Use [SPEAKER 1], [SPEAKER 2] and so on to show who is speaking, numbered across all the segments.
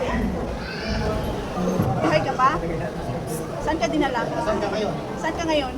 [SPEAKER 1] Buhay ka pa? Saan ka dinala? Saan ka ngayon? Saan ka ngayon?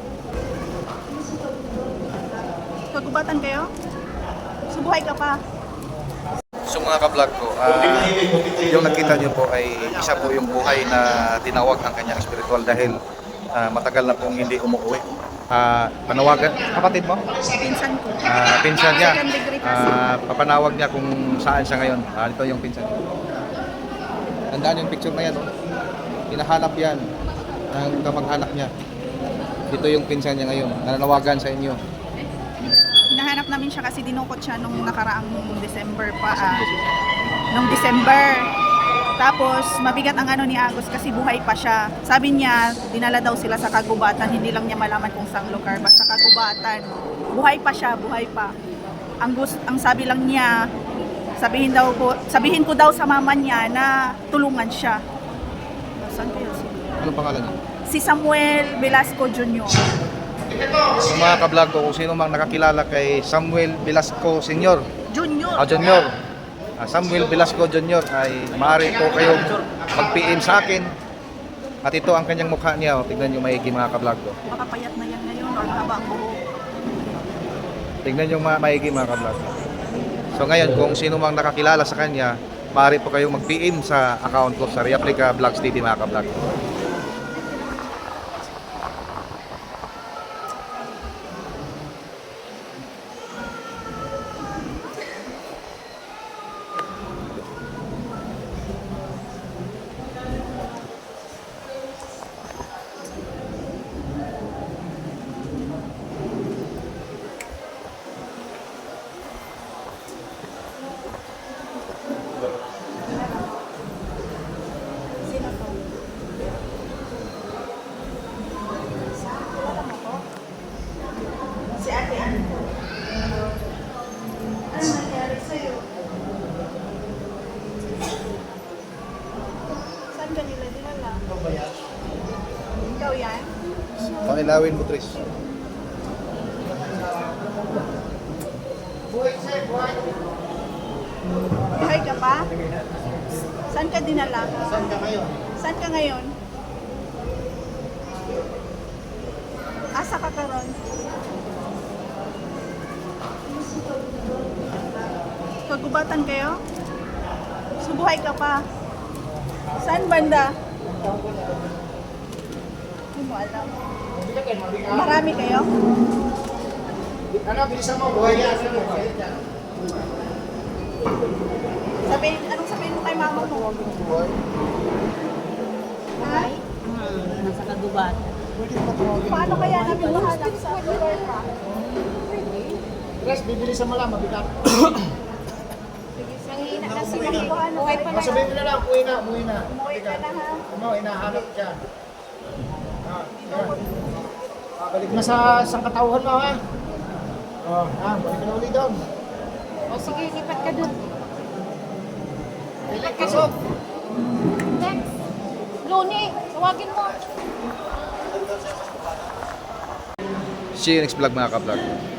[SPEAKER 1] Kagubatan kayo? So buhay ka pa?
[SPEAKER 2] So mga ka-vlog ko, yung nakita niyo po ay isa po yung buhay na tinawag ang kanyang spiritual dahil matagal na pong hindi umuwi. Panawagan, kapatid mo?
[SPEAKER 1] Pinsan ko.
[SPEAKER 2] Pinsan niya.
[SPEAKER 1] Second degree kasi.
[SPEAKER 2] Papanawag niya kung saan siya ngayon. Ito yung pinsan niya. Tandaan yung picture na yan. Oh. Hinahanap yan ng kamag-anak niya. Dito yung pinsan niya ngayon. Nananawagan sa inyo.
[SPEAKER 1] Hinahanap namin siya kasi dinukot siya nung nakaraang December pa. Nung December. Tapos mabigat ang ano ni Agus kasi buhay pa siya. Sabi niya, dinala daw sila sa kagubatan. Hindi lang niya malaman kung saan lugar. Basta kagubatan. Buhay pa siya, buhay pa. Ang sabi lang niya, sabihin ko daw sa mama niya na tulungan siya. Saan kaya siya?
[SPEAKER 2] Ano pangalan niya?
[SPEAKER 1] Si Samuel Velasco Jr.
[SPEAKER 2] So mga ka-vlog ko, kung sino mang nakakilala kay Samuel Velasco Sr. Junior. Samuel Velasco Jr. ay maaari po kayong mag-PM sa akin. At ito ang kanyang mukha niya. Tignan nyo maigi mga ka-vlog ko.
[SPEAKER 1] Baka payat na yan ngayon or haba ang buhok.
[SPEAKER 2] Tignan nyo maigi mga ka-vlog. So ngayon, kung sino mang nakakilala sa kanya, maaari po kayong mag-PM sa account ko sa Reaplica Vlogs TV mga ka-vlog.
[SPEAKER 1] Si Ate Ann. Ano nangyari sa'yo? Saan ka nila dinala? Ikaw yan?
[SPEAKER 2] Pakilawin mo, Tris.
[SPEAKER 1] Buhay ka pa? Saan ka dinala?
[SPEAKER 3] Saan ka ngayon?
[SPEAKER 1] Saan ka ngayon? Asa ka karon? Kagubatan kayo? So buhay ka pa? Saan banda? Hindi mo alam. Marami kayo?
[SPEAKER 3] Ano, bilisan mo, buhay yan.
[SPEAKER 1] Anong sabihin mo kay mama mo? Ha?
[SPEAKER 4] Nasa kagubatan.
[SPEAKER 1] Paano kaya namin mahanap sa lugar pa?
[SPEAKER 3] Tres, bibilisan mo lang, mabigat.
[SPEAKER 1] Nanghihina na sila. Buhay pa na.
[SPEAKER 3] Sabihin mo na lang, uwi na.
[SPEAKER 1] Umuwi ka na ha.
[SPEAKER 3] Ano, hinahanap dyan. Balik na sa katauhan mo, ha? Balik na ulit doon.
[SPEAKER 4] O sige, lipat ka dun.
[SPEAKER 3] Lipat ka doon.
[SPEAKER 4] Next. Loni, tawagin mo.
[SPEAKER 2] See you next vlog mga ka-vlog.